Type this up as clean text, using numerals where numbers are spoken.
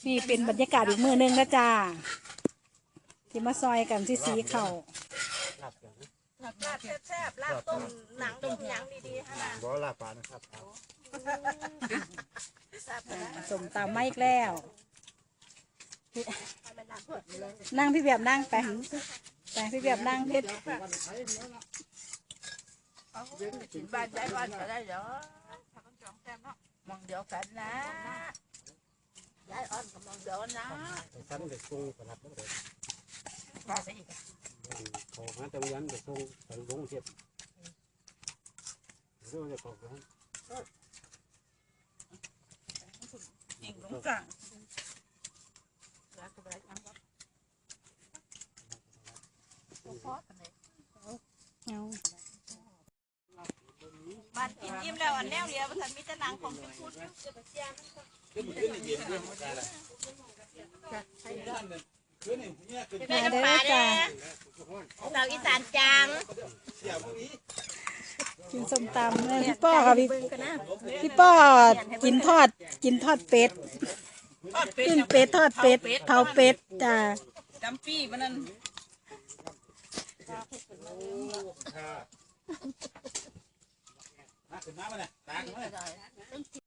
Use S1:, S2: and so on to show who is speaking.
S1: นี่เป็นบรรยากาศอีกมื้อนึงนะจ้าที่มาซอยกันสีเข่า
S2: ลาบแซ่บๆลาบต้มหนังต้มหยังดีๆฮะนะ
S3: บ่ลาบปลานะครับ
S1: สมตามไม่อีกแล้วนั่งพี่แบบนั่งไปพี่แบบนั่งเพชร
S2: บ้านได้บ้านก็ได้เหรอมองเดียวกันนะยายอ่อนกับมองเดียวนะ
S3: สั้นเด็กทรงประหลัดนั่นเลยเขาหาตะวันเด็กทรงไปลงเทียบเรื่องจะขอบคุณ
S2: ยิงลงกลางบ้านกินยิ้มแล้วอันแนวเดียวมันมีแต่หนังของพี่พูด
S1: มาเด้อจ้า
S2: เราอีสานจัง
S1: กินส้มตำเลยพี่ป้อค่ะพี่ป้อกินทอดเป็ดปิ้งเป็ดทอดเป็ดเผาเป็ดจ้า
S2: จำปี้มันนั่น
S3: น้ำมันเนี่ยตากันไหม